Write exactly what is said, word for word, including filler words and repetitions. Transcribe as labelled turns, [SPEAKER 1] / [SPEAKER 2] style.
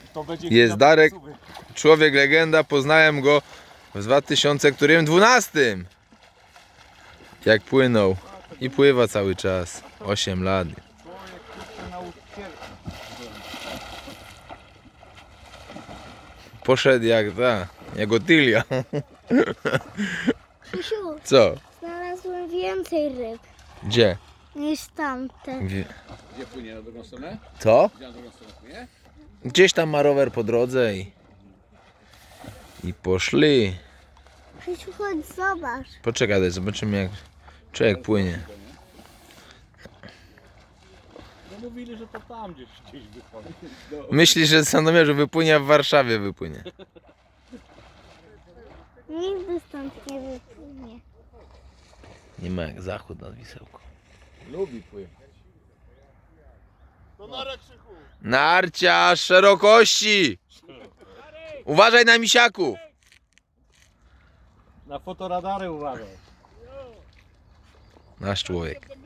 [SPEAKER 1] To będzie
[SPEAKER 2] Jest Darek, człowiek legenda, poznałem go w dwa tysiące dwunastym. Jak płynął i pływa cały czas. osiem lat.
[SPEAKER 1] Człowiek, który nauczyciel.
[SPEAKER 2] Poszedł jak ta, jak Otylia.
[SPEAKER 3] Krzysiu,
[SPEAKER 2] Co?
[SPEAKER 3] znalazłem więcej ryb
[SPEAKER 2] Gdzie?
[SPEAKER 3] niż tamte.
[SPEAKER 2] Gdzie?
[SPEAKER 1] Gdzie płynie na drugą stronę?
[SPEAKER 2] Co?
[SPEAKER 1] Gdzie na drugą stronę płynie?
[SPEAKER 2] Gdzieś tam ma rower po drodze i... I poszli.
[SPEAKER 3] Krzysiu, chodź zobacz.
[SPEAKER 2] Poczekaj, daj, zobaczymy jak człowiek płynie.
[SPEAKER 1] No mówili, że to tam gdzieś, gdzieś wychodzi.
[SPEAKER 2] Myśli, że z Sandomierzu wypłynie, a w Warszawie wypłynie.
[SPEAKER 3] Nigdy stąd nie wypłynie.
[SPEAKER 2] Nie ma jak zachód nad Wisełką.
[SPEAKER 1] Lubi pływać.
[SPEAKER 2] Narcia szerokości! Uważaj na misiaku!
[SPEAKER 1] Na fotoradary uważaj.
[SPEAKER 2] Nasz człowiek.